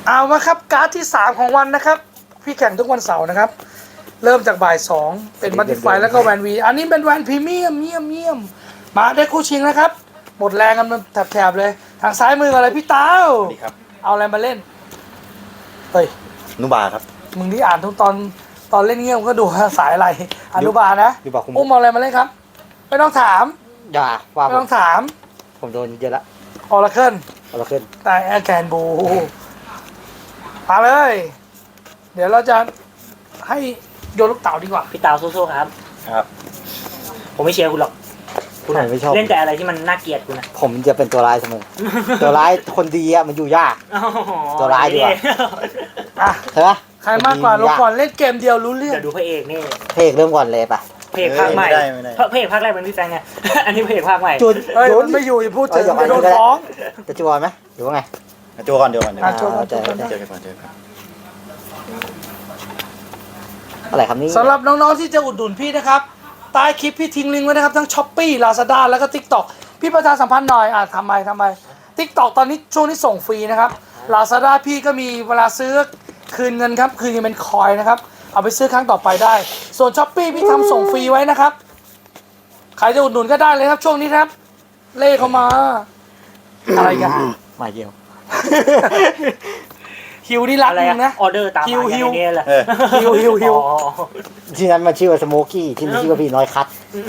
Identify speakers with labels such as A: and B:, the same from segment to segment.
A: เอามาครับการ์ดที่ 3 ของวันนะครับพี่แข่งทุกวันเสาร์นะครับเริ่มจากบ่าย 2เป็นมัลติไฟแล้วก็แวนวีอันนี้เป็นแวนพรีเมียมเยี่ยมมาได้คู่ชิงนะครับหมดแรงกันมันแถบๆเลยทางซ้ายมืออะไรพี่เต้า
B: สวัสดีครับ
A: เอาอะไรมาเล่นเฮ้ย
B: นุบาครับ
A: มึงที่อ่านทุกตอนเล่นเงี้ยมก็ดูสายอะไรอนุบาลนะ
C: ดูบอกคุณ
A: อุ้มเอาอะไรมาเล่นครับไม่ต้องถาม
C: อย่าว่า
A: ไม่ต้องถาม
C: ผมโดนเยอะละ
A: ออร์เคิล
C: เอาละขึ้น
A: แต่แอร์แกนบูมาเลย เดี๋ยวเราจะให้โยนลูกเต๋าดีกว่า
D: พี่เตาสู้ๆครับ
B: ครับ
D: ผมไม่เชียร์คุณหรอกคุณ
C: ผมไม่ชอบ
D: เล่นแต่อะไรที่มันน่าเกลียดคุณนะ
C: ผมจะเป็นตัวร้ายเสมอ ตัวร้ายคนดีอะมันอยู่ยาก
D: อ๋อ
C: ตัวร้ายดีกว่า
A: อ่ะ
C: ใช่ไหม
A: ใครมากกว่าลงก่อนเล่นเกมเดียวรู้เรื่อง
D: เดี๋ยวดูพระเอกนี่
C: เพลงเริ่มก่อนเลยปะ
D: พระเอกภาคใหม่
B: ไม่ได้ไม่ได้
D: พระเอกภาคแรกเป็นพี่แฟงไง อันนี้พระเอกภาคใหม่
C: จุด
A: เฮ้ย
C: จุ
A: มันไม่อยู่อย่าพูดถึง
C: อย่าไป
A: จะโดน
C: ก็ได้
A: ฟ้อง
C: จะจูบอลไหมหรือว่าไง
B: โจก่อนเดี๋ยวก่อนเดี๋ยว
A: อ่ะ
B: ก่อน
A: โจก่อน
C: เจอ
B: เจอกันก่อนเจอกัน
C: อะไรครับนี่
A: สำหรับน้องๆที่จะอุดหนุนพี่นะครับใต้คลิปพี่ทิ้งลิงก์ไว้นะครับทั้ง Shopee Lazada แล้วก็ TikTok พี่ประชาสัมพันธ์หน่อยทำไม TikTok ตอนนี้ช่วงนี้ส่งฟรีนะครับ Lazada พี่ก็มีเวลาซื้อคืนเงินครับคืนเงินเป็นคอยนะครับเอาไปซื้อครั้งต่อไปได้ ส่วน Shopee พี่ทำส่งฟรีไว้นะครับใครจะอุดหนุนก็ได้เลยครับช่วงนี้ครับ เล่เข้ามาอะไรกัน
C: มาเยี่ยว
A: ฮิวนี่รัก
D: อะไร
A: มึ
D: อะ
A: งนะ
D: ออเดอร์ตามมา
A: ฮิ
D: อย่าง
A: ว
D: นี้แหละ
B: เออ
A: ฮิว
D: อ๋อ
C: ที่นั้นมันชื่อว่าสโมกี้ที่นี่ชื่อว่าพี่น้อยคัท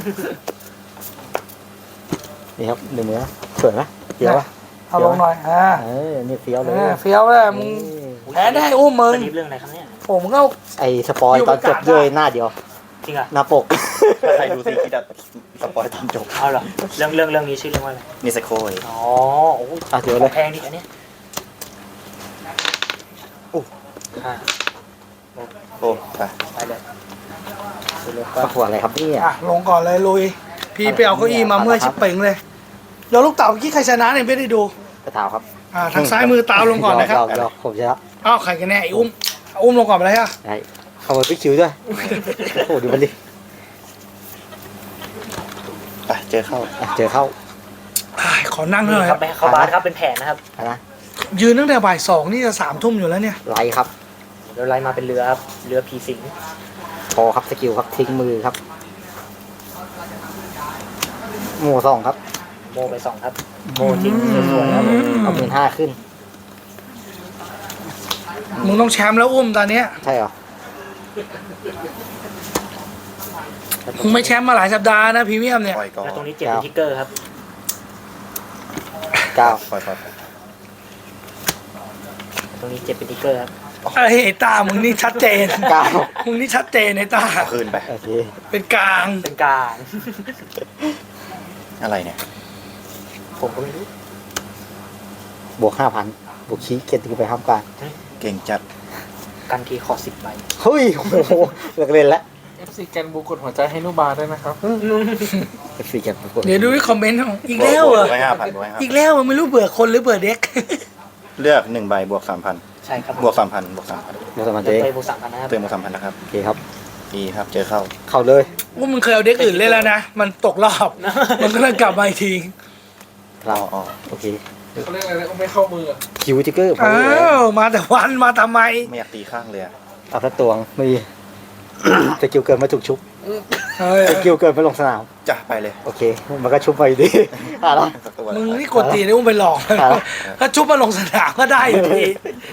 C: นี่ครับหนึ่งมือสวยไหมเฟี้ยวปะ
A: เอาลงหน่อย
C: นี่เฟี้ยวเลย
A: เฟี้ยวเลยมึงแพ้ได้อุ้มมึง
D: สลิปเรื่องอะไรครับเนี่ย
A: ผมก็
C: ไอ้สปอยตอนจบด้วยหน้าเดียว
D: จริงเหรอ
C: หน้าปก
B: ถ้าใครดูซีคิดอะสปอยตอนจบ
D: เอาเหรอเรื่องนี้ชื่อเรื่องว่าอะไร
B: นิสโคย
D: อ๋อโอ้โห
C: อ่ะเดี๋ยวเลย
D: แพงดิอันเนี้ย
C: โอ้
D: อ่ะ
B: โอ้ไป
D: ไปเลย
C: ประกวดอะไรครับเนี่ย
A: ลงก่อนเลยลุย พี่ไปเอาเก้าอี้มาเมื่อยชิบเป่งเลยเดี๋ยวลูกเต๋าเมื่อกี้ใครชนะเนี่ยไม่ได้ดู
C: กระถาวครับ
A: ทางซ้ายมือตามลงก่อนนะครับ
C: ยอมผมจะรับ
A: อ้าวใครกันแน่ไอ้อุ้มลงก่อนไปเลยฮะ
C: ได้เข้ามาพิกคิวด้วยโอ้ดูมันดิ
B: ไปเจอเข้า
C: อ่ะเจอเข้า
A: ขอนั่งห
D: นี่
A: น่อย
D: ครับไปเข้าบาสครับเป็นแผนนะครับ
C: นะ
A: ยืนตั้งแต่บ่าย 2นี่จะ3 ทุ่มอยู่แล้วเนี่ย
C: ไลท์ครับ
D: เดี๋ยวไล่มาเป็นเรือครับเรือผีสิง
C: พอครับสกิลครับทิ้งมือครับหมู่สองครับ
D: โมไปสองครับโมทิ้งสวยๆครับ
C: เอา15,000ขึ้น
A: มึงต้องแชมป์แล้วอุ้มตอนเนี้ย
C: ใช่เหรอ
A: มึงไม่แชมป์มาหลายสัปดาห์นะพรีเมียมเนี่ย
B: ปล่อยก่อน
D: แล้วตรงนี้เจ็บเป็นทิกเกอร์ครับ
C: เก้า
B: ปล่อย
D: ตรงนี้เจ็บเป็นทิกเกอร์ครับ
A: ไอ้ตามึงนี่ชัดเจน
C: เก้า
A: มึงนี่ชัดเจนไอ้ตา
B: เอาคืนไป
C: โอเค
A: เป็นกลาง
D: เป็นกลาง
B: อะไรเนี่ย
D: ผมก็ไม่รู้
C: บวก5,000บวกชี้เกียรติไปห้ามการ
B: เก่งจัด
D: กันทีขอ10 ใบ
C: เฮ้ยโอ้โหเลิกเล่นแล้ว
E: FC แกนบูกดหัวใจให้นุบาด้วยนะครับ
C: เอฟซีกันประกวด
A: เดี๋ยวดูที่คอมเมนต์อีกแล้วเหรอ
B: ไว้5,000ไว้
A: อีกแล้วเหรอไม่รู้เบื่อคนหรือเบื่อเด็ก
B: เลือก1ใบบวก 3,000
D: ใช่ครับ
B: บวก 3,000บวก 3,000
C: เดี๋ยวสมัคร
D: เติ
C: เจ๊
D: มไปบวก3,000นะครับ
B: เติมบวก 3,000นะครับ
C: โอเคครับ
B: ดีครับเจอเข้า
C: เข้าเลย
A: ว่ามึงเคยเอาเด็กอื่นเล่นแล้วนะ มันตกรอบ มันก็เลยกลับมาอีกที
C: เรา
B: อ๋อ
C: โอเค
E: เขาเรียกอะไรนะไม่เข้ามืออะ
C: คิวจิกเกอร์พอ
A: อ้า
C: ดีเลยว
A: มาแต่วันมาทำไม
B: ไม่อยากตีข้างเลยอะ
C: เอาสักตวงไม่มีสกิลเกินมาถูกชุบ
A: เฮ้ย
C: สกิลเกินไปลงสนาม
B: จ้ะไปเลย
C: โอเค มันก็ชุบไปอยู่ดีอะไร
B: สักตัว
A: มึงนี่กดตีนี่มึงไปหลอก
C: ครับ
A: ถ้าชุบมาลงสนามก็ได้อยู่ดี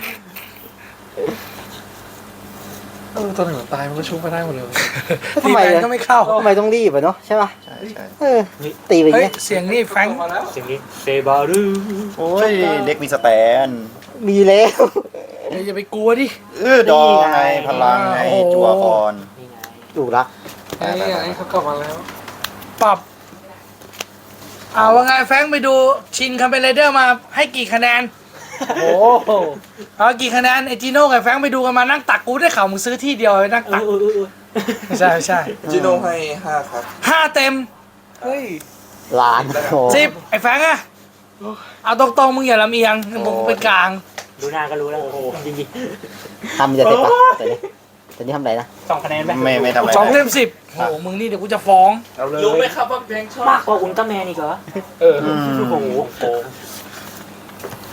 E: ตัวหนึ่งตายมันก็ชุบไม่ได้หมดเลย
C: ทำไม
A: ตีแฟน
C: อะ
A: ก็ไม่เข้า
C: ทำไมต้องรีบอะเนาะใช่ป่ะ
B: ใช่ใช่
C: เออตีไปอย่าง
A: เฮ้ย
C: เงี้ย
A: เสียงนี่แฟรงค์
E: มาแล้ว
D: เสียงนี้เซบารู
B: โอ้ยเด็กมีสแตน
C: มีแล้ว
A: เดี๋ยวอย่าไปกลัวดิ
B: ดอไงพลังไง
A: โอ้โห
B: จัวคอน
D: นี่ไง
C: ถูกรัก
E: ไอ้เขากลับมาแล้ว
A: ปรับว่าไงแฟรงค์ไปดูชินคัมเปญไรเดอร์มาให้กี่คะแนน
C: โอ้โห
A: เอากี่คะแนนไอจีโน่กับแฟรงค์ไปดูกันมานั่งตักกูได้ข่าวมึงซื้อที่เดียวไปนั่งตักไม่ใช่ไม่ใช่
E: จิโนให้5 ครับ
A: 5 เต็ม
E: เฮ้ย
C: ล้านโอ้
A: 10ไอแฟรงค์อะเอาตรงๆมึงอย่าลำเอียงมึงเป็นกลาง
D: ดูหน้าก็รู้แล้วจริง
C: ทำจะเสร็จปะแต่นี่ทำอะไรนะ
D: ๆ2 คะแนนไหม
B: ไม่ทำอะไร
A: 2 เต็ม 10โอ้โหมึงนี่เดี๋ยวกูจะฟ้อง
E: เอาเลยรู้ไหมครับว่าเพลงชอบ
D: มากกว่าอุลตร้าแมนอีกเหรอ
E: เออ
B: อืม
D: โอ้โห
B: ข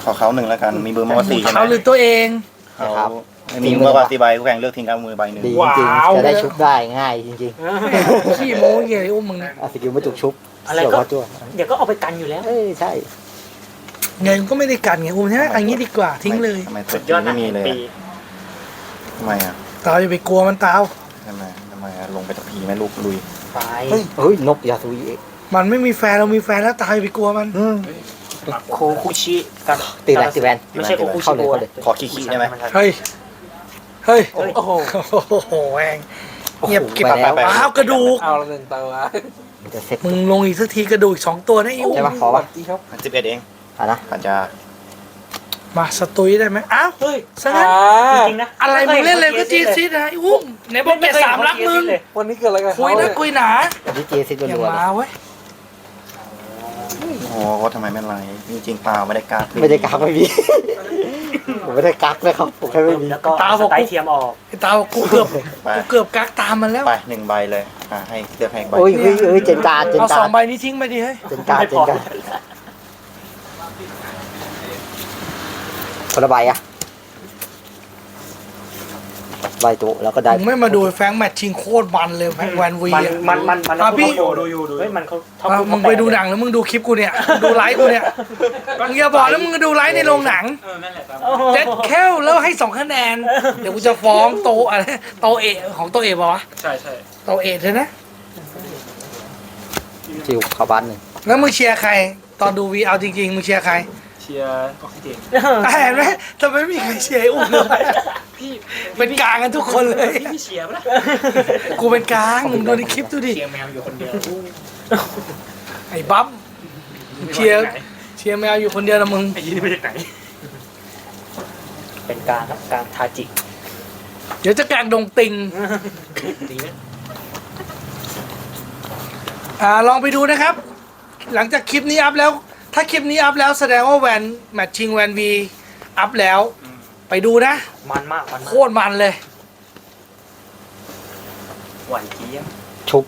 B: เขาหนึ่งแล้วกัน มีมือมากกว่า4ใช่ไหม
A: เขาหรือตัวเอง
B: เขาไม่มีมือมากกว่า4ใบคู่แข่งเลือกทิ้งเอามือใบหนึ่ง
C: ดีจริงๆจะได้ชุบได้ง่ายจริง
A: ขี้โม้เหี้ยไอ้อุ้มมึงนะ
C: ๆสกิลไม่จุกชุบ
D: อะไร
C: เสี่ยว
D: ก็
C: พอจั่ว
D: เดี๋ยวก็เอาไปกันอยู่แล้ว
C: เอ้ยใช่
A: เงินก็ไม่ได้กันไงอุ้มใช่ไหมอันนี้ดีกว่าทิ้งเลย
B: ทำไม
D: สุดยอด
B: ไม่มีเลย
D: ปี
B: ทำไมอ่ะ
A: ตาอย่าไปกลัวมันตาว
B: ทำไมอะลงไปตะพีแม่ลูกลุย
D: ไป
C: เฮ้ยนกยาซุย
A: มันไม่มีแฟนเรามีแฟนแล้วตาอย่าไปกลัวมัน
D: โคคุชิกับ
C: ตีแวนตีแวน
D: ไม่ใช่โคคุชิ
C: เข้าเลยเข้าเลย
B: ขอขี้ๆได้ไหม
A: เฮ้ยเฮ้ย
E: โอ้โห
A: โอ้โหแหงเงียบเก็บ
C: ไปแล้ว
A: อ้าวกระดูก
E: เอาละหนึ่งตัว
C: มันจะเซ็ต
A: มึงลงอีกสักทีกระดูกอีก2ตัวนะไอ้อุ้ม
C: ใช่ปะขอปะ
E: ดีครับ
B: 11เอง
C: อ่ะนะ
B: ปัญญา
A: มาสตุยได้ไหมอ้าว
D: เฮ้ย
A: ซะงั้น
D: จริงๆนะ
A: อะไรมึงเล่นเลยก็จีซิดนะไอ้อุ้มไหนบอกเก็บสามรักมึง
E: วันนี้เกิดอะไรกัน
A: คุยนะคุยหนา
C: อันนี้เจซิด
A: อย่า
C: รัวๆเล
A: มาย เว้ย
B: โอ้โหเขาทำไมไม่ไรจริงๆเปล่าไม่ได้การ์ด
C: ไม่ได้กักไม่มี ผมไม่ได้กักเลยครับผมแค่ไม่มี
D: แล้วก็สไตล์เทียมออก
A: ไอ้ตาบอกกูเกือบกักตามมันแล้ว
B: ไป1ใบเลยให้เลือกให้อีกใบ
C: โอ้ยเฮ้ยเจนการเจน
A: เอา
C: กา
A: สอ
C: รง
A: ใบนี้ทิ้งไปดิเฮ้ย
C: เจนการเจนการคนละใบอะใบตัวแล้วก็ได้
A: มึงไม่มาดูแฟงแมตช์ชิงโคตรมันเลยแวนวี
D: มันพี่ดูเฮ้ยมันเขาชอบ
A: มึงไปดูหนังแล้วมึงดูคลิปกูเนี่ยดูไลฟ์กูเนี่ยมึงอย่าบอกแล้วมึงดูไลฟ์ในโรงหนังเจ็ดแค่แล้วให้2คะแนนเดี๋ยวกูจะฟ้องโตอะไรโตเอของโตเอป่าวะ
E: ใช่ใช่
A: โตเอใช่นะ
C: จิวเข้าบ้านหนึ่ง
A: แล้วมึงเชียร์ใคร ตอนดูวีเอาจริงๆมึงเชียร์ใคร
E: เชียร์ออกซิเจน
A: เห็นไหมทำไมไม่มีใครเชียร์ไอ้อุ้มเลย
E: พี่
A: เป็นกลางกันทุกคนเลย
E: พี่เชียร์ปะล่ะ
A: กูเป็นกลางมึงดูในคลิปดูดิ
E: เชียร์แมวอยู่คนเดียว
A: ไอ้บั๊มเชียร์แมวอยู่คนเดียวนะมึง
E: ไอ้ยี่นี่มาจากไหน
D: เป็นการครับการทาจิ
A: เดี๋ยวจะกลางดงติง
E: ดีนะ
A: ลองไปดูนะครับ หลังจากคลิปนี้อัพแล้ว ถ้าคลิปนี้อัพแล้วแสดงว่าแวนแมทชิงแวนวีอัพแล้ว ไปดูนะ
D: มันมากมัน
A: โค
D: มาก
A: ตรมันเลย
E: หวานเจี๊ยบ
C: ชุบ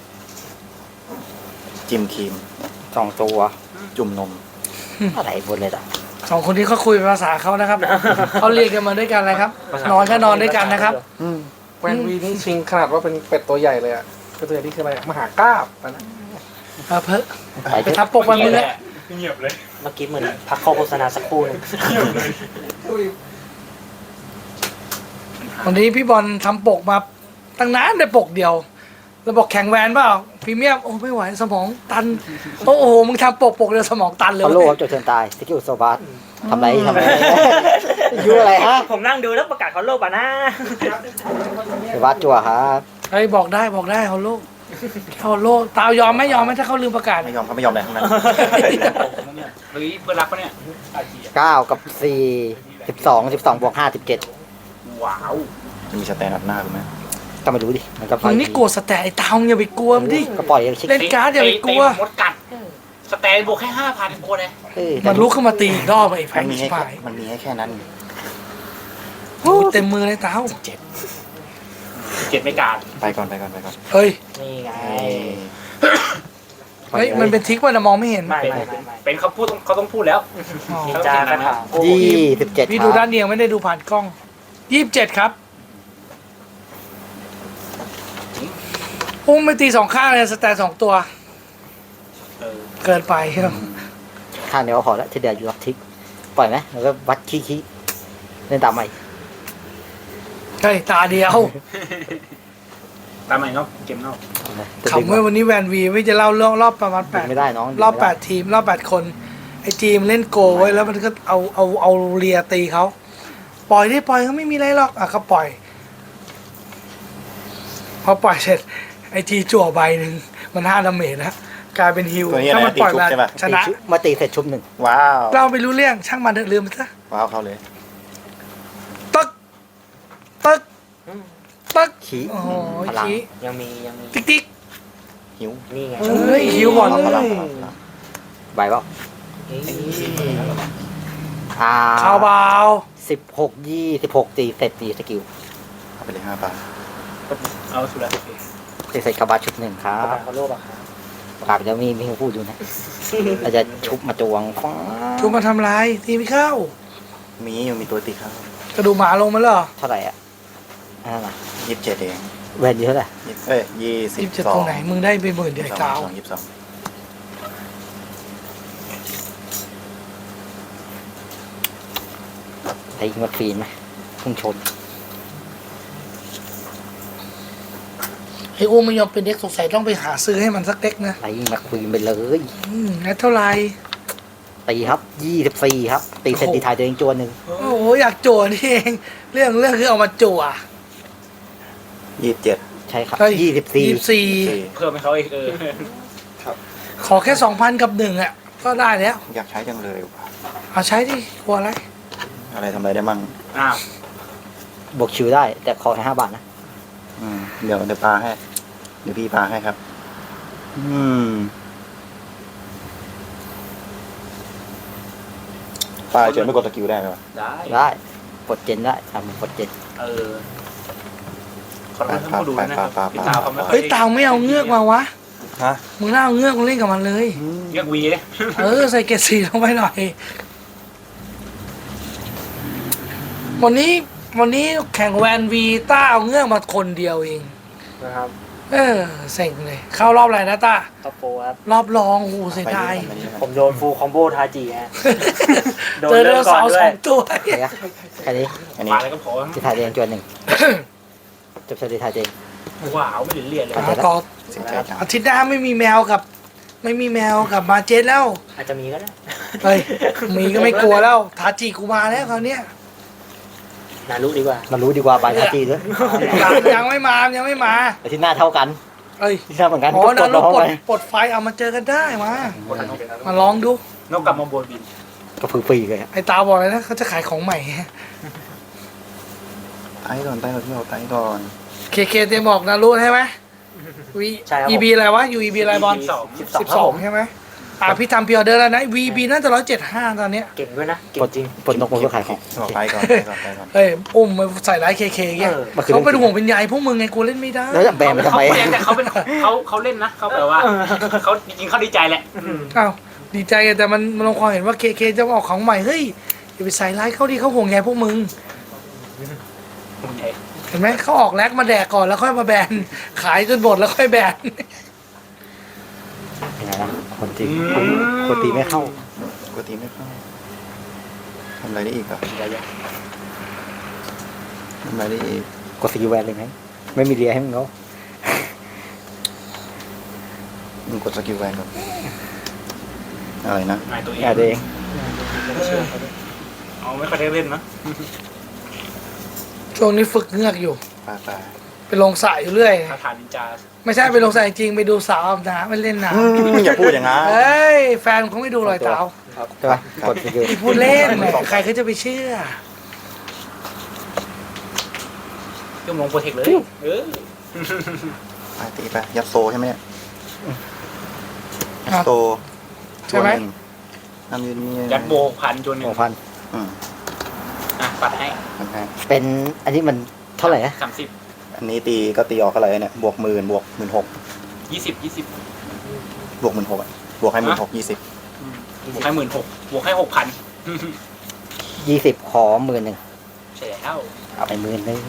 B: จิ้มครีม
C: 2 ตัว
B: จุ่มนม
C: อะไรบนเลยอ่ะ
A: สองคนที่เขาคุยภาษาเขานะครับ เขาเรียนกันมาด้วยกันเลยครับ นอนก็นอนด้วยกันนะครับ
E: แวนวีนี่ชิงขนาดว่าเป็นเป็ดตัวใหญ่เลยอ่ะเป็ดตัวใหญ่นี่คืออะไรอะมหากราบนะ
A: เพิ่
C: ไป
A: ไปทำปกมันมึงอะ
E: เงียบเลย
D: เมื่อกี้เหมือนพักเข้าโฆษณาสักครู่หนึง
A: วันนี้พี่บอลทำปกมาตั้งนานได้ปกเดียวแล้วบอกแข่งแวนเปล่าพรีเมียมโอ้ไม่ไหวสมองตันโอ้โหมึงทำปกเดียวสมองตันเลย
C: เขาโลครับจดเชิญตายสกิลโซบาสทำไรยูอะไรฮะ
D: ผมนั่งดูแล้วประกาศเขาโลกอ่ะนะ
C: โซบาสจั่วครับ
A: เฮ้ยบอกได้ฮอลโลฮอลโลตาวยอมไหมถ้าเขาลืมประกาศ
B: ไม่ยอมเขาไม่ยอมอะไรทั้งนั้น
E: เฮ้ยเพื่อนรักปะเนี่ย
C: 9 กับ 4 12 บวก 5 17
E: ว้าว
B: จะมีสแตนด์อัพหน้าหรือไม่
C: ก็ไม่รู้ดิมันก็
A: มึงนี่กลัวสแตนไอ้ตาวอย่าไปกลัวมันดิ
C: ก็ปล่อยชิค
A: เล่นการ์ดอย่าไปกลัว
E: มดกัดสแตนบวกแค่ 5,000 คนเลย
A: มันลุกขึ้นมาตีอีกรอบไอ้แพ
B: มัน
A: ง
B: มี
A: ชิ
B: ให้
A: บหาย
B: มันมีให้แค่นั้น
A: โอ้เต็มมือเลยตาว
E: เจ็ดไม่การ
B: ไปก่อน
A: เฮ้ย
D: นี่ไง
A: เฮ้ยมันเป็นทิกว่านะมองไม่เห็น
D: ไม่
E: เป็นเขาพูดเขาต้องพูดแล้ว
A: อ๋อ
D: นินจากระถาง
C: 27
A: พี่ดูด้านเดียวไม่ได้ดูผ่านกล้อง27ครับอุ้มไม่ตี2ข้างเลยสแตน2ตัว เกินไปครับ
C: ข้างเดียวก็พอแล้วที่เดียวอยู่ล็อกทิกปล่อยไหมแล้วก็วัดขี้เล่นตามใหม่
A: เฮ้ยตาเดียว
E: ตามใหม่เนาะเกมเนาะ
A: ขำเมื่อวันนี้แวนวีไม่จะเล่าเรื่องรอบประมาณ
C: ไม่ได้น้อง
A: รอบ8ทีมรอบ8คนไอ้ทีมเล่นโกไว้แล้วมันก็เอาเรียตีเขาปล่อยได้ปล่อยก็ไม่มีอะไรหรอกอ่ะก็ปล่อยพอปล่อยเสร็จไอ้ทีจั่วใบหนึ่งมัน5 ดาเมจนะกลายเป็นฮิว
B: ตัวนี้อะไร
A: ถ้ามันปล่อยมา
B: ตีชุบใช่ปะ
A: ชนะ
C: มาตีเสร็จชุบ 1
B: ว้าว
A: เราไม่รู้เรื่องช่างมันเถอะลืมมันซะ
B: ว้าวเข้าเลย
A: ตึกตึกตึก
C: ขี้
A: โอ้โห
C: พลัง
A: ขี้
D: ยังมี
A: ติ๊กติ๊ก
B: หิว
D: นี่ไง
A: เฮ้ยหิวก่อน
B: พลัง
C: ใบเปล่า
A: ข่าวเบา
C: 16 26ตีเสร็จตีสกิล
B: เอาไปเลย5 บาท
E: เอาสุดแล้ว
C: ตีเสร็จคาบาชุบ 1 ครับ
D: ประกาศเขาโลกอ่ะครับ
C: ประกาศไปแล้วมีพูดอยู่นะเราจะชุบมาจวงฟ้า
A: ชุบมาทำลายตีไม่เข้า
B: มีตัวติดครับ
A: กระดูกหมาลงมาแล้วเหรอ
C: เท่าไหร่อ่ะอันนั้นอ่ะ
B: 27เอง
C: แวนอยู่เท่าไหร่
A: สิบจะตรงไหนมึงได้ไปหมื่นเดียวไอ้กาว
B: 22
C: ไอ้ยิงวัดฟีนไหมพุ่งชน
A: ไอ้อ้วมไม่ยอมเป็นเด็กสงสัยต้องไปหาซื้อให้มันสักเด็กนะ
C: ไอ้ยิงแม็กควีนไปเลย
A: งั้นเท่าไหร่
C: ตีครับ24ครับตีเซนตีไทายตัวเองจวนหนึ่ง
A: โอ้โหอยากจั่วนี่เองเรื่องคือเอามาจั่ว
B: 27
C: ใช่ครับ
A: เฮ้ย
C: 24
D: เพิ่มให้เขาอีก
A: ขอแค่2,000กับ1อ่ะก็ได้แล้ว
B: อยากใช้จังเลยว่ะ
A: เอาใช้ดิกลัวอะไร
B: อะไรทำอะไรได้มั่ง
D: อ้าว
C: บวกชิวได้แต่ขอแค่5 บาทนะ
B: เดี๋ยวปาให้ เดี๋ยวพี่ปาให้ครับ ปาเฉยไม่กดสกิลได้ไหมวะ
D: ได้
C: ได้ปลดเจนได้ทำปลดเจน
D: ขอโทษท่านผู้ดูนะครับพี่ตาเขาไม่ค่อย
A: เฮ้ยตาวไม่เอาเงือกมาวะ
B: ฮะ
A: มึงน่าเอาเงือกมาเล่นกับมันเลย
D: เรียกวีเลย
A: ใส่เกรดสีลงไปหน่อย วันนี้แข่งแวนวีต้าเอาเงือกมาคนเดียวเอง
D: นะครับ
A: เซ็งเลย เข้ารอบอะไรนะต้า
D: ท็อปโฟครับ
A: รอบรองโอ้โหเสียดาย
D: ผมโดนฟูลคอมโบทาจิฮะ โดน
A: เจอ
D: เริ่
A: เดื
D: ม
A: อ
D: ก่
A: สา
D: อน
A: ว
D: ด้
A: ส
D: ว
A: อย งตัว
C: เดี๋ยวแค่นี้
B: อันนี้
D: มาแล้วก็พอ
C: ตีไทายตัวเองจวนหนึ่งจบเซนตีไทายตัวเอง
D: ว้าวไม่ถึงเรียนเลย
A: ต่อ
B: เสียใจจัง
A: อาทิตย์หน้าไม่มีแมวกับมาเจนแล้ว
D: อาจจะมีก็ได้
A: เฮ้ยมีก็ไม่กลัวแล้วทาจิกูมาแล้วคราวเนี้ย
D: นารู้ดีกว่า
C: มารู้ดีกว่าบายทาจีด้วย
A: ยังไม่มา
C: แต่ที่หน้าเท่ากัน
A: เอ้ย
C: ที่หน้าเหมือนกัน
A: อ๋อ
C: ก็
A: นะ
C: ด
A: ลู
C: น้
A: ก
C: อง
A: ปล
C: ไป
A: ดปลดไฟเอามาเจอกันได้มาลองดู
D: นกกลับมาบนบิน
C: ก็ฟรีๆเลยอะ
A: ไอ้ตาบอกเลยนะเขาจะขายของใหม่
B: ไต้ก่อนพี่เอาไต้ก่อน
A: เคเตรียมบอกนะรู้ใช่ไหมวี
D: ใช่ครับ
A: EB อะไรวะ UEB อะไรบอล 12ใช่ไหมพี่ทำพิออเดอร์แล้วนะ VB น่าจะ175ตอนเนี้ย
D: เก่งด้วยนะ เก่
C: ปล
D: ง
C: ด
D: จริง
C: ปลดนกมันก็ขายของ
B: เอาไต้ก่อนไต้ก่อน
A: เฮ้ยอุ้มมาใส่ร้ายเคเงี้ย
C: มันคือ
A: เขาเป็นห่วงเป็นใยพวกมึงไงกูเล่นไม่ได้
C: แล้วจะแบนไปทำไม
F: แต่เขาเป็นเขาเล่นนะเขาแบบว่าเขาจริงๆเขาดีใจแหละ
A: อ้าวดีใจแต่มันลงความเห็นว่าเคจะออกของใหม่เฮ้ยอย่าไปใส่ร้ายเขาดิเขาห่วงใยพวกมึง เห็นไหมเขาออกแลกมาแดกก่อนแล้วค่อยมาแบนขายจนหมดแล้วค่อยแบน
C: ยังไงนะคนตีคนตีไม่เข้า
B: ปกติไม่เข้าทำอะไรได้อีกอ่ะทำอะไรได้อีก
C: กดสกิลแวนเลยไหมไม่มีเรียให้มึงเขา
B: มึงกดสกิลแวนก่อนอะไรนะ
F: นายตัวเอง
C: อย่าเอง
F: เอาไม่ค่อยได้เล่นนะ
A: ช่วงนี้ฝึกเงือกอยู่
B: ปา
A: ไปลงสระอยู่เรื่อย
F: คาถานินจา
A: ไม่ใช่ไปลงสระจริงไปดูสาวอาบน้ำไปเล่นน้
B: อย่าพูดอย่างนั้น
A: ำเฮ้ยแฟนเขาไม่ดูรอยเท้า
C: ใช่ปะกดสกิล
A: พี่พูดเล่นแหมใครเขาจะไปเชื่อ
F: ยุ่งลงโปรเทคเลย
B: ไปตีไปยัดโซใช่ไหมเนี่ยยัดโซ
A: ใช่ไหม
B: ทำยืนนี่
F: ยัดโบพันจนหนึ่ง
C: 2,000
F: ปัดให้
C: เป็นอันนี้มันเท่าไหร่นะ
F: 30
B: อันนี้ตีก็ตีออกอะไรเนี่ยบวก10,000บวก16,000
F: 20
B: บวก16,000อ่ะบวกให้16,000 20
F: บวกให้16,000บวกให้ 6,000
C: 20ขอ10,000
F: ใช่แล้ว
C: เอาไป10,000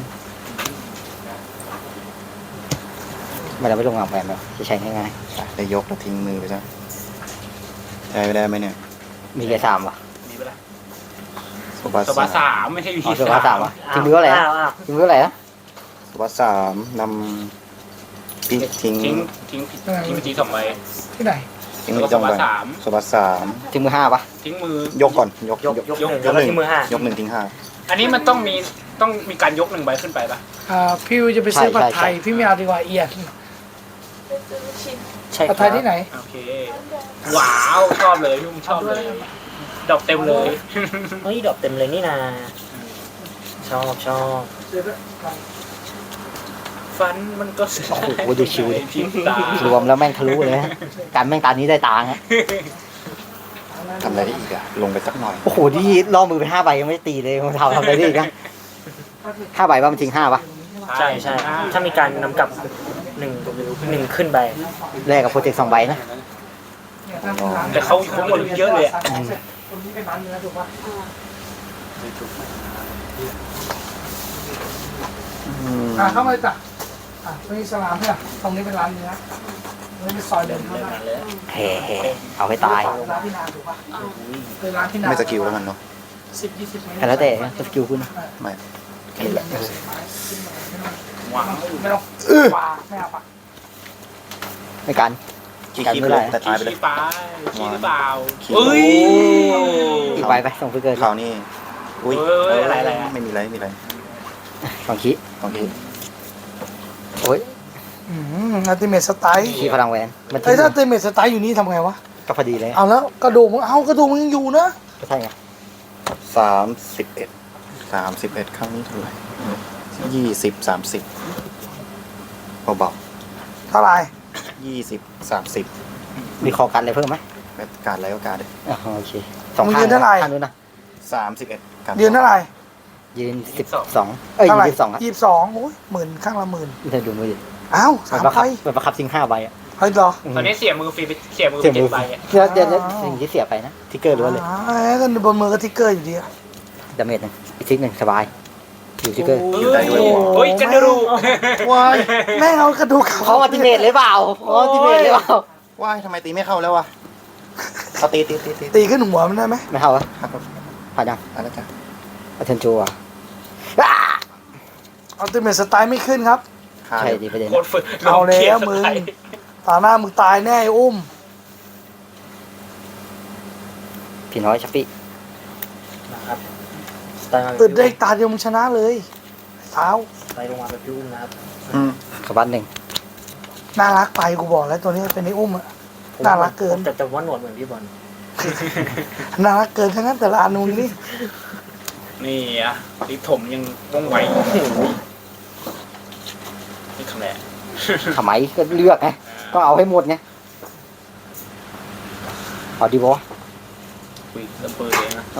C: ไม่ได้ไม่ลงอ่างแหวนแบบจะใช้ง่าย
B: ได้ยกแล้วทิ้งมือไปซะใช้ไม่ได้ไหมเนี่ย
C: ๆมีแค่3ว่ะ
F: มีเวลา
B: สบัส
F: สบา3ไม่ใช่วี
C: อ๋อสุภาพ3ว่ะทิ้งมือเท่าไหร่นะทิ้งมือเท่าไหร่นะ
B: สบัส3นำทิ้ง
F: ทิ้งไปที2ใบ
A: ที่ไหน
B: ทิ้งมือจงไปสบัส3
C: ทิ้งมือ5ป่ะ
F: ทิ้งมือย
B: กก่อนยก
D: ยกแล้วที่มือ5
B: ยก1ทิ้ง5
F: อันนี้มันต้องมีการยก1ใบขึ้นไปป่ะ
A: พี่วิวจะไปซื้อผัดไทยพี่ไม่เอาดีกว่าเอียน
D: ใช่ค
A: ผั
D: รั
A: ดไทยที่ไหน
F: โอเคว้าวชอบเลยพี่มุ้งชอบเลยดอกเต็มเลย
D: เฮ้ยดอกเต็มเลยนี่นาชอบ
F: ฟันมันก็ส
C: โอ้โหดูชิวดิ
F: พิมพ์ตาร
C: วมแล้วแม่งทะลุเลยนะการแม่งตานี้ได้ตาฮะ
B: ทำอะไรได้อีกอะลงไปสักหน่อย
C: โอ้โหที่ล่อมือไป5 ใบยังไม่ได้ตีเลยมันทำอะไรได้อีกนะ5 ใบป่ะมันทิ้ง5ป่ะ
D: ใช่ถ้ามีการนำกลับ1ขึ้นไป
C: แลกกับโปรเจกต์2 ใบนะ
F: แต่เขาหมดเยอะเลยอะ
A: เข้ามาเลยจ้ะตรงนี้สลามเนี่ยตรงนี้เป็นร้านเนื้อตรงนี้เป็นซอยเดินเข้ามา
C: แห่เอาให้ตาย
A: ร้านที่นานถูกป่ะเป็นร้านที่นาน
B: ไม่สกิลแล้วมันเนาะ
A: 10-20 เมตร
C: แล้วแต่สกิลคุณ
B: ไม่แค่นี้แหละ
F: ว้าว
A: ไม่ต้องปลาไม่เอาปะ
C: ในการ
B: ขี้คีบเลยแต่ตายไปเลย
F: ขี้ปลาขี้หรือเปล่า
B: ขี้
F: เอ้ย
C: อีกไปส่งไปเกิน
B: คราวนี้อุ้ย
F: เอ้ยอะไรอะ
B: ไม่มีอะไรไม่มีอะไร
C: สองขี้
B: โอเค
C: โอ้ย
A: อัลติเมทสไตล์
C: ขี้พลังแหวนมัน
A: เฮ้ยถ้าอัลติเมทสไตล์อยู่นี่ทำไงวะ
C: ก็พอดีเลย
A: เอาแล้วกระดูกมึงกระดูกมึงยังอยู่นะ
C: ก็ใช่ไง
B: 31ครั้งนี้เท่าไหร่20 30เบา
A: เท่าไหร่
B: ๆ20 30
C: มีคอกันอะไรเพิ่มไหม
B: การอะไรก็การเลย
C: อ๋อโอเคสองข้างข้างนู้นนะ
B: 31การ
A: เดือนเท่าไหร่
C: ยืน12เอ้ย
A: เท่าไหร่
C: ยืน12อ่ะ
A: 22โอ้ย10,000ข้างละ10,000
C: เธอดูมือดิ
A: อ้าว
C: มัน
A: 3
C: ประ
A: ไฟ
C: คับมันประคับซิง5ใบอ่ะ
A: เฮ้ยเหรอ
F: ตอนนี้เสียมือฟรีไปเสียมือ
C: เสีย
F: เจ็
C: มื
F: ด
C: อ
F: ใบอ่ะ
C: เดี๋ยวสิ่งที่เสียไปนะทิกเกอร์ล้วนเลย
A: ก็บนมือก็ทิกเกอร์อยู่ดีอะ
C: ดาเมจหนึ่งอีกทิกหนึ่งสบายอยู่ทิกเกอร์
F: เฮ้ยกันดู
B: ว้าย
A: แม่งเอากระดูก
C: เขาอัลติเมทเลยเปล่าเขาอัลติเมทเลยเปล่า
B: ว้ายทำไมตีไม่เข้าแล้ววะเอาตี
A: ตีขึ้นหัวมันได้ไหม
C: ไม่เข้าวะ
B: ครับ
C: ผ่านยัง
B: อะไรจ้ะ
C: อัลเทนโจอ่ะ
A: อัลติเมทสไตล์ไม่ขึ้นครับ
B: ขาด
C: ใช่ดีประเด็น
F: โคตรฝึก
A: เอาแล้วมึง ตาหน้ามึงตายแน่ไอ้อุ้ม
C: พี่น้อยชัปปี้
D: นะครับสไตล์มา
A: ตื่นได้อีกตาเดียวมึงชนะเลยเท้า
D: สไตล์ลงมาแบบพี่อุ้มนะครับ
B: อืม
C: ขบันหนึ่ง
A: น่ารักไปกูบอกแล้วตัวนี้เป็นไอ้อุ้มอะ น่ารักเกิน
D: ผมจะว่าหนวดเหมือนพี่บอล
A: น่ารักเกินทั้งนั้นแต่ละอันนูนนี่
F: นี่อ่ะลิถมยังว่องไวนี่คำแหละ
C: ทำไมก็เลือกไงก็เอาให้หมดไงเอาดีบอ
F: คุยเริ่มเปิดเลยนะ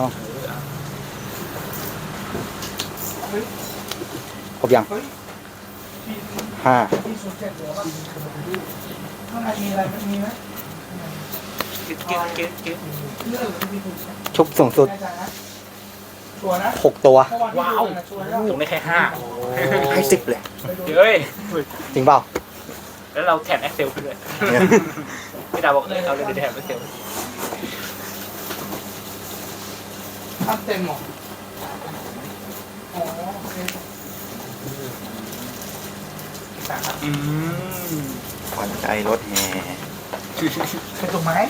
C: ครบยังห้า
A: ที่สุดเจ็ดหัวป่ะข้างในมีอะไรมีไหม
F: เก็ต
A: เรื่องที่ถูก
C: ชุบสูงสุด
A: แน่ใจนะชัวร์นะ
C: 6 ตัว
A: เมื่อวานที่ดูนะชัวร์แล้ว
F: ผมได้แค่5
B: ให้10เลย
F: เฮ้ย
C: จริงเปล่า
F: แล้วเราแถม Excel ไปด้วยพี่ดาวบอกเราเลยแถม Excel
A: ตั้งเต็มหรออ๋อโอเค
F: อืม
B: ขวัญใจรถแห่
A: เป็นถูกไหม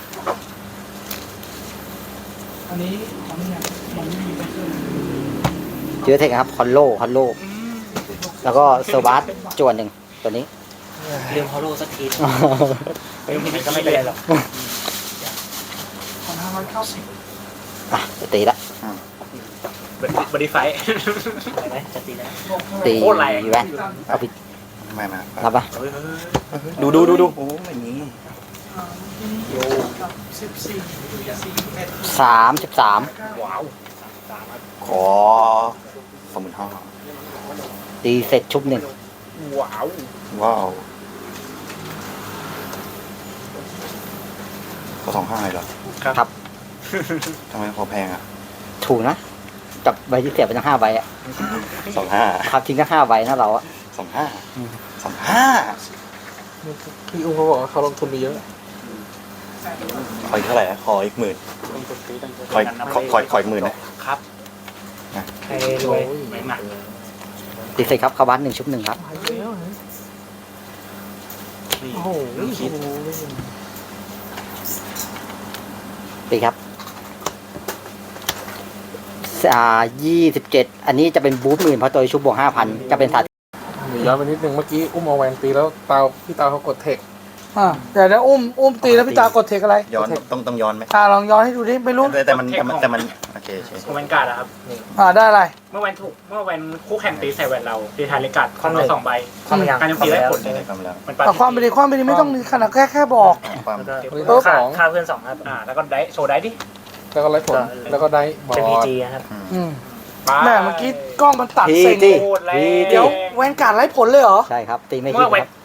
A: อันนี้ของเนี่ยมันไม่มีเป็นเครื่อง
C: เจอเทคครับคอนโลแล้วก็เซอร์บัสจวนหนึ่งตัวนี้
D: เรื่องฮอลโลสักที
F: เฮ้ยมัน
D: ก็
F: ก็
D: ไม่
F: ไม่
D: เป็
F: เป็น น
D: ไร
F: ไร
D: ห
F: ห
D: ร
F: ร
D: อ
F: อก ก
A: 2,590
C: อ่ะจะตีละ
F: บริไฟ
D: ไปไหมจะตีแล้ว
C: ตี
F: โคตรแรง
C: แวนเอาไป
B: ไม่
C: รับปะ
B: ดูโอ้ไม่มี
C: 33
F: ว้าว
B: ขอ25,000
C: ตีเสร็จชุบหนึ่ง
F: ว้าว
B: ว้าวก็25เลยเหรอ
C: ครับ
B: ทำไมพอแพงอ่ะ
C: ถูกนะกับใบที่เสียไปทั้ง5ใบอ่ะ
B: 25
C: ครับทิ้งทั้ง5ใบนะเราอ่ะ
B: 25
E: พี่อุ้มเขาบอกว่าเขาลงทุนไปเยอะ
B: ขออีกเท่าไหร่ขออีก10,000ขออีก10,000นะครับ
D: ใครรวย
F: ไม่หนัก
C: ตีเสร็จครับเข้าบ้าน1ชุบ1ครับ
F: นี่
E: โอ้โห
F: คิด
C: ตีครับ27อันนี้จะเป็นบูท10,000เพราะตัวชุบบวก 5,000 จะเป็นสัตว์
E: ย้อนไปนิดนึงเมื่อกี้อุ้มเอาแวนตีแล้วพี่ตาเขากดเทค
A: เดี๋ยวนะอุ้มตีแล้วพี่ตากดเทคอะไร
B: ย้อนต้องย้อนไหม
A: ลองย้อนให้ดูดิไม่รู้
B: แต่มันโอเค
F: ของแวนการ์ดอะครับ
A: ได้อะไร
F: เมื่อแวนคู่แข่งตีใส่แวนเราตีทายเลกัดของเรา2 ใบ
D: เข้ามายัง
F: การโจมตีได้ผล
B: ได้คำแล้ว
F: มัน
A: เอาความไปดีไม่ต้องขนาดแค่บอก
B: ความ
D: แล้วก็ค่าเพื่อน2ครับ
F: แล้วก็ได้โชว์ได้ดิ
E: แล้วก็ไล่ผลแล้วก็ได้บอ
D: เป็นพี
E: ล
D: จีครับ
A: แม่เมื่อกี้กล้องมันตัดเซ็ง
F: โคตรแรง
A: เดี๋ยวแวนการ์ดไร้ผลเลยเหรอ
C: ใช่ครับตีไม่
F: เมื่
C: คิ
F: อ
C: ด
F: แว
C: คน รับ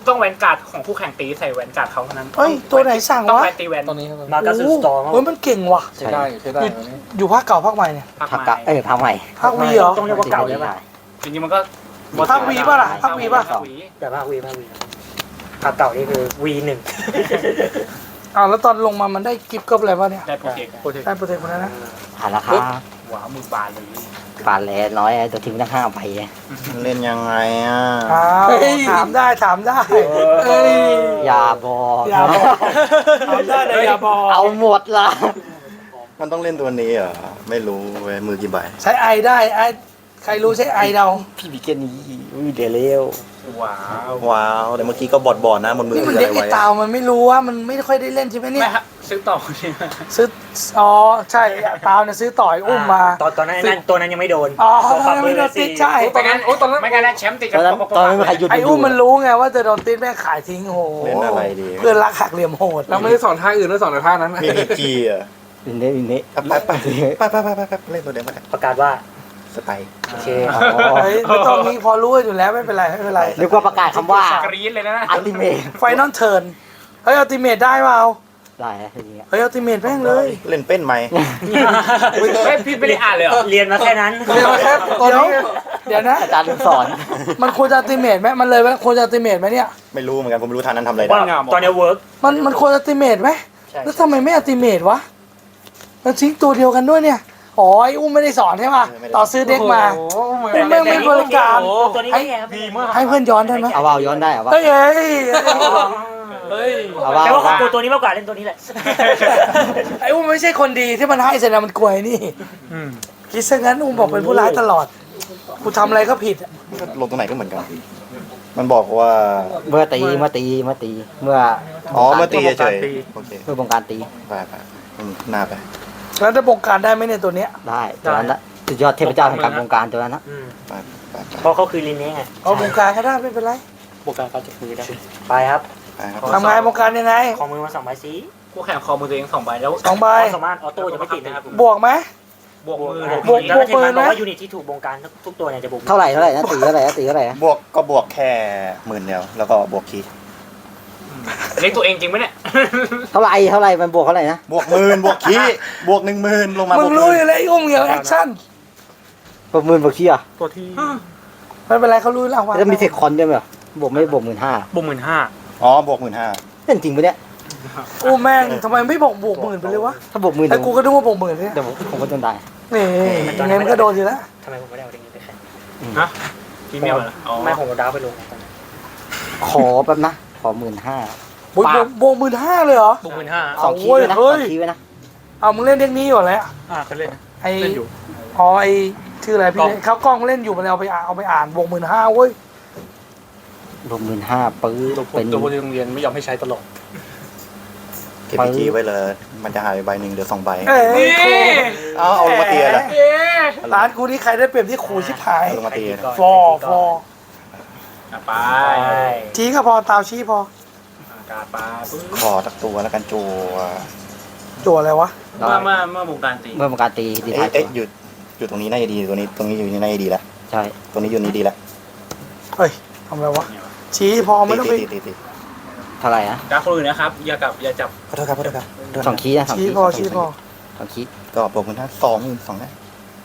F: ต้องแวนการ์ดของคู่แข่งตีใส่แวนการ์ดเขาเท่านั้น
A: เฮ้ยตัวไหนสั่ง
F: ต้อง
A: วะ
F: แวนตีแวน
E: ตอนนี้ครับ
D: มากัสสตอร์
A: เฮ้ยมันเก่งว่ะ
E: ใช้ได้ใช้ได้ตอนนี้
A: อยู่ภาคเก่าภาคใหม่เนี่ย
F: ภาค
C: ผัก
F: ให
C: กะ
F: ม่
C: ผักใหม่
A: ภาควีเหรอ
D: ต้องเรียกว่าเก่าใช่ปะ
F: จริงๆมันก็
A: ภาควีป่ะล่ะภาควีป่ะ
F: ภาควี
D: แต่ภาควีภาคเก่านี่คือ V1
A: อ้าวแล้วตอนลงมามันได้กิฟต์ก็อะไรวะเนี่ย
F: ได้โปรเทค
A: ได้โปรเทคคนนั้นนะ
C: ผ่านราคา
F: ว้าวมือบานเลย
C: ปานแลน้อยตัวทีมตั้ง5ใบ
B: เล่นยังไงอ่ะ
A: อ้าวถามได้ถามได้เอ้ย
C: อย่าบอก
A: อย่าบอกถามได้แต่อย่าบอก
C: เอาหมดละ
B: มันต้องเล่นตัวนี้เหรอไม่รู้เว้ยมือกี่ใบ
A: ใช้ไอได้ไอใครรู้ใช้ไอเรา
C: พี่บิเกนี่เดี๋ยวเร็ว
F: ว้าว
B: ว้าวแต่เมื่อกี้ก็บอดนะบนมือ
A: นี่มัน
B: คืออะ
A: เด็ก
B: ไร
A: ไอ
B: ไว้
A: ตาวมันไม่รู้ว่ามันไม่ค่อยได้เล่นใช่ไหมเนี่
F: ไม่
A: ย
F: ฮะซื้อต่อเนี่ย
A: ซื้ออ๋อใช่ตาวเนี่ยซื้อต่อยอุ้มมา
D: ตอนนั้นตัวนั้นยังไม่โดน
A: อ๋อตอนนั้นไม่โดนติดใช่
F: ตอนนั้นโอ้ตอนนั้นไม่งั้นนะแชมป์ติด
C: ตอนนั้นตอนนั้นไม่มีใครหยุด
A: ไออุ้มมันรู้ไงว่าจะโดนติดแม่งขายทิ้งโอ้โห
B: เล่นอะไรดี
A: เพื่อนรักหักเหลี่ยมโหด
E: เราไม่ได้สอนท่าอื่นเราสอนแต่ท่านั้น
B: มีพีจีอ่ะ
C: อินเนี้อินเนี้
B: ไปเล่นตัวเดียวไป
D: ประกาศว่า
B: สไตล์
D: โอเค
A: เฮ้ยไม่ต้องมีพอรู้อยู่แล้วไม่เป็นไรไม่เป็นไร
C: นึกว่าประกาศคำว่าก
F: รี๊ดเลยนะ
C: อัลติเมท
A: ไฟนอลเทิร์นเฮ้ยอัลติเมทได้เปล่า
C: ได้นะทีนี้
A: เฮ้ยอัลติเมทแม่งเลย
B: เล่นเป็นไหม
F: ไม่พี่ไม่ได้อ่านเลยเหรอ
D: เรียนมาแค่นั้น
A: เดี๋ยวเดี๋ยวนะ
C: อาจารย์สอน
A: มันควรจะอัลติเมทไหมมันเลยไหมควรจะอัลติเมทไหมเนี่ย
B: ไม่รู้เหมือนกันผมไม่รู้ทางนั้นทำอะไร
D: ว่า
B: ได้
D: ตอนนี้เวิร์ก
A: มันควรอัลติเมทไหม
D: ใช่
A: แล้วทำไมไม่อัลติเมทวะมันทิ้งตัวเดียวกันด้วยเนี่ยอ๋อไอ้อุ้มไม่ได้สอนใช่ป่ะต่อซื้อเด็กมาอุ้มแม่งไม่บริการ
D: ตัวนี้ไม่แย่ครับ
F: ดีมาก
A: ให้เพื่อนย้อนได้ไหม
C: เอาย้อนได้เหรอวะ
A: เฮ้ยเฮ้ย
F: เฮ้ย
C: เอาว่า
D: แต่ว่าของตัวนี้มากกว่าเล่นตัวนี้แหละ
A: ไอ้อุ้มไม่ใช่คนดีที่มันให้เสร็จแล้วมันกลัวไอ้นี่คิดซะงั้นอุ้มบอกเป็นผู้ร้ายตลอดกูทำอะไรก็ผิดอะ
B: ลงตรงไหนก็เหมือนกัน มันบอกว่า
C: เมื่อตีเมื่อ
B: เมื่อตีเฉยโอเค
C: เมื่อบงการตี
B: ไปหน้าไป
A: แล้วจะบงการได้ไหมเนี่ยตัวเนี้ย
C: ได้ตัวนั้นละสุดยอดเทพเจ้าแห่งการบงการตัวนั้นนะ
B: ไป
D: เพราะเขาคือลินนี้ไง
A: เอาบงการก็ได้ไม่เป็นไร
D: บวกการเขาจะคุยได้ไปครับ
B: ครับ
A: ทำไงบงการยังไง
D: ของมือมา2 ใบสี
F: คู่แข่งคอมือตัวเอง2ใบแล้ว
A: 2 ใบ
D: สามารถออโต้จะไม่ติดนะครับ
A: บวกไหม
F: บวกมือ
D: แล้วเทมันบอกว่ายูนิตที่ถูกบงการทุกตัวเนี่ยจะบวก
C: เท่าไหร่นะตีเท่าไหร่นะ
B: บวกก็บวกแค่10,000เดียวแล้วก็บวกคีย์
F: เล็กตัวเองจริงไหมเนี่ย
C: เท่าไหร่มันบวกเท่าไหร่นะ
B: บวก10,000บวกคีย์บวก10,000ลงมา
A: มึ
B: บว
A: ง
B: ก
A: รู้อยู่แล้วไอ้อุ้มเหี่ยวแอคชั่น
C: บวก10,000บวกขี้อ่ะ
D: ตัวที่
A: ไม่เป็นไรเขารู้แล้วว่า
C: แล้วมีเทคคอนด้วยไหมเหรอบวกไม่บวก15,000
D: บวก
B: อ๋อบวก15,000
C: เล่นจริงปะเนี่ย
A: อู้แม่งทำไมไม่บอกบวก10,000ไปเลยวะ
C: ถ้าบวก10,000
A: ไอ้กูก็นึกว่าบวก10,000เนี่ย
C: เดี๋ยวผมก็โดนได้
A: นี่ยังไงมันก็โดนอยู่แล้ว
D: ทำไมผมไม่ได้เอาเด็กนี้ไปแข่ง
F: ฮะพรีเมียมเหรออ๋อ
D: ไม่ผมเอาดาวไปลงตอนนั้น
C: ขอแป๊บนะขอ15,000
A: บวก15,000เลยเหรอ
D: บวก
C: สองคีย์ไว้นะ
A: เฮ้ย
C: 2 คีย์ไว้นะ
A: เอามึงเล่นเด็กนี้อยู่แล้ว
D: เขาเล่น
A: ไอ้อ๋อไอ้ชื่ออะไรพี่เขากล้องเล่นอยู่มันเอาไปอ่านบวก15,000เว้ย
C: บวก15,000ปื้อเป็น
F: ตัวคนโรงเรียนไม่ยอมให้ใช้ตลอด
B: เก็บพีจีไว้เลยมันจะหายไปใบหนึ่งเหลือ2ใบ
A: เอ้ย
B: เอาลงมาเตียเลย
A: ร้านกูนี่ใครได้เปรียบที่ขู่ชิบหาย
B: ลงมาเตีย
A: ฟอ
F: ไป
A: ชี้ก็พอตาวชี้พอ
F: อากาศปลาปึ๊บ
B: ขอตักตัวแล้วกันจัว
A: จั่วอะไรวะ
F: เมื่อวงการตี
C: เมื่อบงการตีดีท้ายตัว
B: อยู่ตรงนี้น่าจะดีตรงนี้อยู่นี่น่าจะดีแล้ว
C: ใช่
B: ตรงนี้อยู่นี่ดีแล้ว
A: เฮ้ยทำอะไรวะชี้พอไม่ต้องไป
B: ตี
C: เท่าไหร่นะ
F: การคนอื่นนะครับอย่จับ
B: ขอโทษครับ
C: 2 คีย์นะ2
A: ชี้
C: คีย์
A: พอชี้พอ
C: 2 คีย์
B: ก็บวกเงินท่า22,000นะ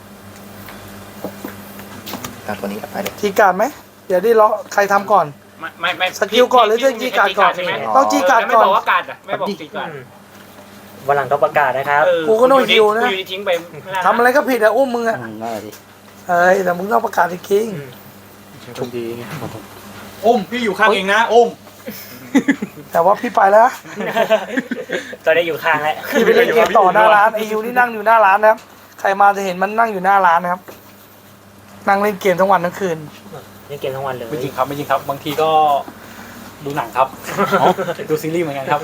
B: การตัวนี้ไปเลย
A: จีการ์ดไหมเดี๋ยวได้เลาะใครทำก่อน
F: ไม่
A: สกิลก่อนหรือจะจีการ์ดก่อน
F: ใช่ไหม
A: ต้องจีการ์ด
F: ไม่
A: ก่อน
F: บอกว่าการ์ดอ่ะไม่บอกจีการ์ด
D: วันหลังต้องประกาศนะครับ
A: กูก็โดนฮิวนะ
F: กูอยู่ทิ้งไป
A: ทำอะไรก็ผิดอะอุ้มมึงอะ
C: นั่นแหละดิ
A: เฮ้ยแต่มึงต้องประกาศจริง
E: ชุมดี
F: อุ้มพี่อยู่ข้างเองนะอุ้ม
A: ๆแต่ว่าพี่ไปแล้วนะ
D: ตอนนี้อยู่ข้างแล้ว
A: พี่ไปเล่นเกมต่อหน้าร้านไอยูนี่นั่งอยู่หน้าร้านนะครับใครมาจะเห็นมันนั่งอยู่หน้าร้านนะครับนั่งเล่นเกมทั้งวันทั้งคืน
D: เล่นเกมทั้งวันเลย
F: ไม่จริงครับบางทีก็ดูหนังครับดูซีรีส์เหมือนกันครับ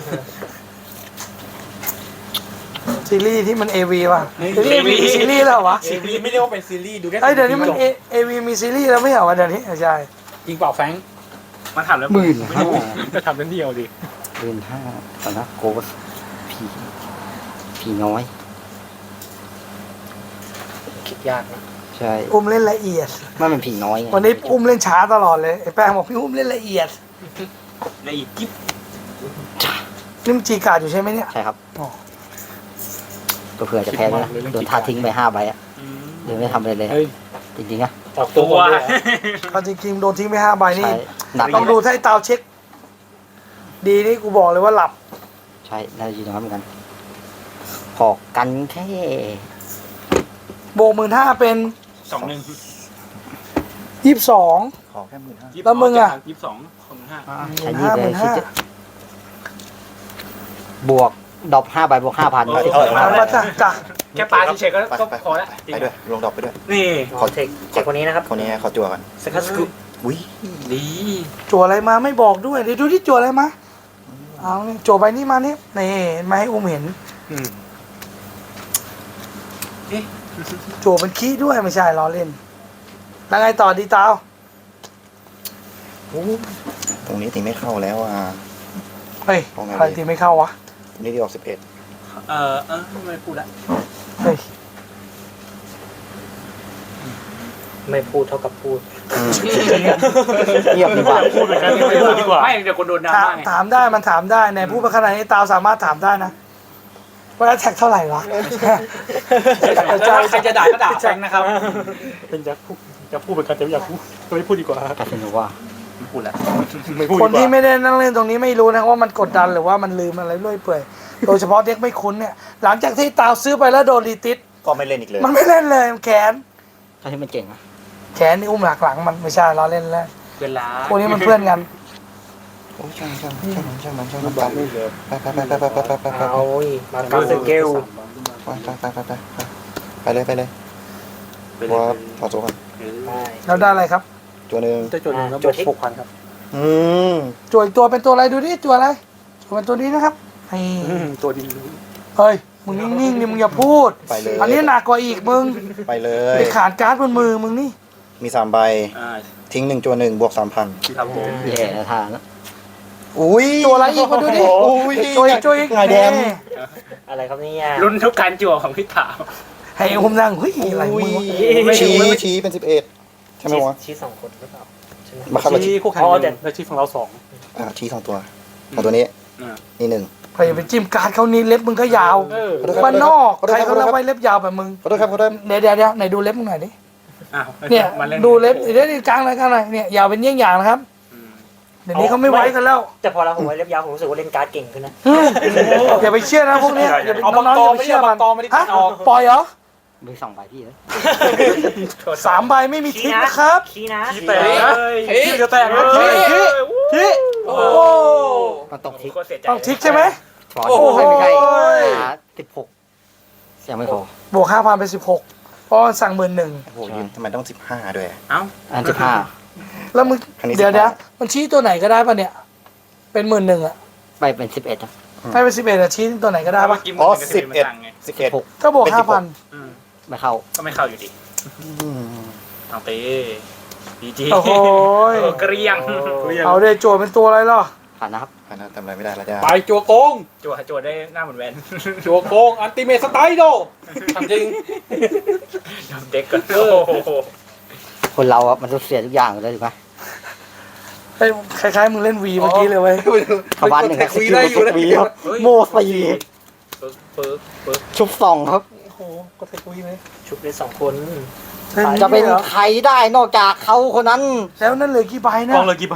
A: ซีรีส์ที่มัน AV ว่ะซีรีส์แล้วเหรอวะ
F: ซีรีส์ไม่เรียกว่าเป็นซีรีส์ดูแค่
A: เอ้ยเดี๋ยวนี้มัน AV มีซีรีส์แล้วไม่เหรอวะเดี๋ยวนี้ใช่
F: จริงเปล่าแฟงมาถามแล้ว
C: 15,000
F: จะทำเล่นเดียวดิ
C: 15,000ตอนนะโกสผีน้อย
D: คิดยากนะ
C: ใช่
A: อุ้มเล่นละเอียด
C: มันเป็นผีน้อยไง
A: วันนี้อุ้มเล่นช้าตลอดเลยไอ้แป้งบอกพี่อุ้มเล่นละเอียด
F: ละเอียดยิบ
A: นี่มันจีการ์ดอยู่ใช่ไหมเนี่ย
C: ใช่ครับ
A: อ๋อ
C: ก็เผื่อจะแพ้ด้วยนะโดนท่าทิ้งไป5 ใบอะเดี๋ยวไม่ทำอะไรเลย
E: เฮ้ย
C: จริงๆอะ
E: ออกตัว
F: ตัว
E: ก่อนเลย
A: เอาจริงๆโดนทิ้งไป5 ใบนี่
C: ใช่หนัก
A: ต้องดูถ้าไอ้ตาวเช็ค ดีนี่กูบอกเลยว่าหลับ
C: ใช่น่าจะยืนตรงนั้นเหมือนกันพอกันแค่
A: โบก15,000 เป็น
F: 21
A: 22
B: ขอแค่15,000
A: แล้วมึงอะ
F: 22
C: ใช้นี่เลย
A: 15,000
C: คิดจะบวกดอก5 ใบบวก 5,000
A: เอาละจ้ะจ้ะ
F: แค่ปลาเฉยๆก็
B: ไป
F: ก็
B: ไป
F: พอละ
B: ไปด้วยลงดอกไปด้วย
F: นี่
D: ขอเทคคนนี้นะครับ
B: คนนี้ขอจั่วก่อน
D: สกัดสกุ
B: อุ้ย
F: ดี
A: จั่วอะไรมาไม่บอกด้วยเดี๋ยวดูที่จั่วอะไรมาเอานี่จั่วใบนี้มานี่นี่มาให้อุ้มเห็นจั่วเป็นขี้ด้วยไม่ใช่ล้อเล่นแล้วไงต่อดีตาว
B: ตรงนี้ตีไม่เข้าแล้วอ่ะ
A: เฮ้ย
B: เอาไง
A: อะไรตีไม่เข้าวะ
B: ตรงนี้ที่ออก11
F: ไม่พูดละ
A: เฮ้ย
D: ไม่พูดเท่ากับพูด
C: เงียบดีกว่า
F: พูดเหมือนกันไม่พูดดีกว่าไม่เดี๋ยวคนโดนดรา
A: ถาม
F: ม่าไง
A: ถามได้มันถามได้ในพูดไปขนาดนี้ตาวสามารถถามได้นะว่าแท็กเท่าไหร่วะ
F: ใครจะด่าก็ด่าแฟงนะครับ
E: เป็นจะพูดเหมือนกันแต่ไม่อยากพูดไม่พูดดีกว่า
C: ตัดสินว่า
F: ไม่พูดละ
E: ไม่พูด
A: คน
E: ดีก
A: ที่
E: ว่า
A: ไม่ได้นั่งเล่นตรงนี้ไม่รู้นะว่ามันกดดันหรือว่ามันลืมอะไรเรื่อยเปื่อยโดยเฉพาะเด็กไม่คุ้นเนี่ยหลังจากที่ตาวซื้อไปแล้วโดนรีติส
B: ก็ไม่เล่นอีกเลย
A: มันไม่เล่นเลยมันแขน
C: ถ้าที่มันเก่งอะ
A: แขนนี่อุ้มหลักหลังมันไม่ใช่เราเล่นแล้ว
F: เวลา
A: พวกนี้มันเพื่อนกัน
B: โอ้ยช่างไป
D: เอาอีกมาการสเกล
B: ไปเลยไปเลยว่าขอโซ่กัน
D: ได้
A: แล้วได้อะไรครับ
B: ตัวหนึ่ง
E: จะจดหนึ่งแล้วบวก6,000 ครับ
A: จั่วอีกตัวเป็นตัวอะไรดูดิจั่วอะไรจั่วเป็นตัวนี้นะครับนี่
E: ตัวดี
A: เฮ้ยมึงนิ่งๆนี่มึงอย่าพูด
B: ไปเลย
A: อันนี้หนักกว่าอีกมึง
B: ไปเลย
A: ไปขาดการ์ดบนมือมึงนี่
B: มี3 ใบ ทิ้ง1จัว1บวก 3,000
F: ครับผม
C: แย่นะทางนะ
B: อุ้ย
A: จั่วอะไรอีกมาดูดิ
B: อุ้ย
A: จั่วอีก
B: ไงแดม
A: นี่
D: อะไรครับเนี่ย
F: ลุ้นทุกการจั่วของพี่ถาม
A: ให้อุ้มนั่งเฮ้ยอะไรมึงวะ
B: ชี้เป็น11ใช่ไหมวะ
D: ชี้2 คนหรือเปล่าใช่ไหม
B: มาครับ
E: ชี้คู่แข่ง
D: อ๋อ
E: ห
D: แต่
E: นึ่งแล้วชี้ของเรา2
B: ชี้2 ตัวของตัวนี้นี่1
A: ใครอย่าไปจิ้มการ์ดเขานี่เล็บมึงก็ยาวบ้านนอกใครเขาเล่าไว้เล็บยาวแบบมึง
B: ขอโทษครับขอโทษ
A: เดี๋ยวไหนดูเล็บมึงหน่อยดิ
F: อ้าว
A: เนี่ย
F: มาเล่น
A: ดูเล็บเดี๋ยวนี่กลางเลยกลางเลยเนี่ยยาวเป็นเยี่ยงอย่างนะครับเดี๋ยวนี้เขาไม่ไว้กันแล้ว
D: แต่พอเราผมไว้เล็บยาวผมรู้สึกว่าเล่นการ์ดเก่งขึ้นนะ
A: อย่าไปเชื่อนะพวกเนี้ยอย่าไป
E: เอา
A: น้องๆอย่าไปเชื่อมัน
E: ตอไม่ได้
A: ฮะ
E: ออก
A: ปล่อยเหรอ
C: มี2 ใบพี่เลย
A: 3 ใบไม่มีทิกนะครับ
D: ขี้นะ
F: ขี้แตกนะขี้จะแตกนะ
A: ทิกโอ้
C: มันตกทิก
F: โคตรเสียใจ
A: ต้องทิกใช่ไหม
C: ฟอน
A: โอ้โห
C: ไม่ใช่16ยังไม่พอบ
A: วก5,000เป็น16เพราะมันสั่ง11,000
B: โอ้โหยืนทำไมต้อง15ด้วย
F: เอ้า
C: อัน15
A: แล้วมึง
B: อันนี้
A: เดี๋ยว
B: 15
A: มันชี้ตัวไหนก็ได้ป่ะเนี่ยเป็น11,000อ่ะ
C: ไปเป็น11นะ
A: ให้เป็น11อ่ะชี้ตัวไหนก็ได้
F: เมื่
A: ป่ะ
F: อกี้
B: อ๋อ
F: มันเป็นกระสือมาสั่งไง
B: 11
A: ก็บวก
B: เป็น16
A: 5,000
C: ไม่เข้า
F: ก็ไม่เข้าอยู่ดีเอาเต้ดีจี
A: โอ้โห
F: เกรียง
A: เอาเดโจทย์เป็นตัวอะไรล่ะ
C: ผ่านนะครับ
B: อันนั้นทำอะไรไม่ได้แล้วจ้า
E: ไปจัวโกง
F: จั่วได้หน้าเหมือนแวน
E: จัวโกงอันติเมทสไตล์โดทำจริง
F: เด็กกันโอ้โห
C: คนเราอะมันต้องเสียทุกอย่างเลยถูกไหม
A: เฮ้ยคล้ายๆมึงเล่นวีเมื่อกี้เลยเว้ย
C: ขบาน1ครับสกิลกดวีครับโม4
F: ปึ๊ก
C: ชุบ2ครับ
A: โอ้โหก็เทควีเลย
D: ชุบได้2 คน
C: จะเป็นใครได้นอกจากเขาคนนั้น
A: แล้วนั่นเหลือกี่ใบนะ
E: กองเลยกี่ใบ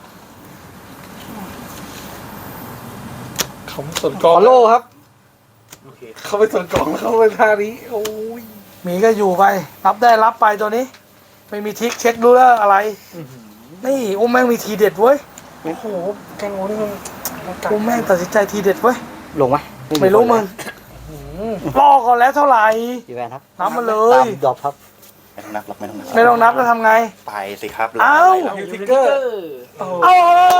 E: เขาส่วนก
C: ข
E: อง
C: อโล่ครับ
F: โอเค
E: เขาไปส่วนกองแล้วเขาไปท่านี้โอ้ย
A: มีก็อยู่ไปรับได้รับไปตัวนี้ ไม่มีทิกเช็ครู้แล้วอะไรนี่อุ้มแม่งมีทีเด็ดเว้ย
E: โอ้โหแกงโง่นี่มัน
A: อุ้มแม่งตัดสินใจทีเด็ดเว้ย
C: ลงไหม
A: ไม่รู้มึงรอก่อนแล้วเท่าไหร่
C: กี่แวนครับ
A: นับมาเล
C: ตาย มดรอปครับ
B: ไม่ต้องนับหรอกไม่ต้องนับ
A: ไม่ต้องนับแล้วทำไง
B: ไปสิครับ
A: เอ้า
E: ยูทิกเกอร์
A: เอา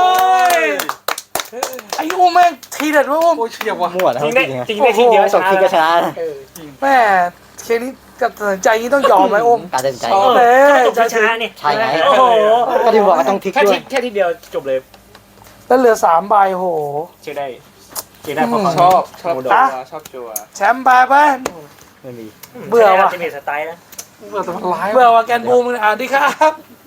A: ไอ้อุ้มแม่งทีเด็ดเว้ยอุ้ม
E: โอ้ยเฉียบว่ะ
C: มั่วนะ
D: จริงได้
C: จริง
D: จริงได้ทีเดียวช
C: สอง
D: นะ
C: ทีก็ชนะนะ
A: แม่เคสนี้กับตัดสินใจนี้ต้องยอมไหมอุ้ม
C: การตัดสินใจ
A: เอ้ย
D: จบชนะนี่
C: ใช่ไง
A: โอ้โห
C: ก็ที่บอกว่าต้องทิก
F: แค่
C: ด้วย
F: ทีเดียวจบเลย
A: แล้วเหลือ3 ใบโห
F: เชื่อได้พอฟัง
E: ชอบจัว
A: แชมป์ไปไป
C: ไม่มี
A: เบื่อว่ะ
D: จะมีสไตล์นะ
E: เบื่อแต่มันร้าย
A: เบื่อว่ะแกนบูมอ่านดีครับ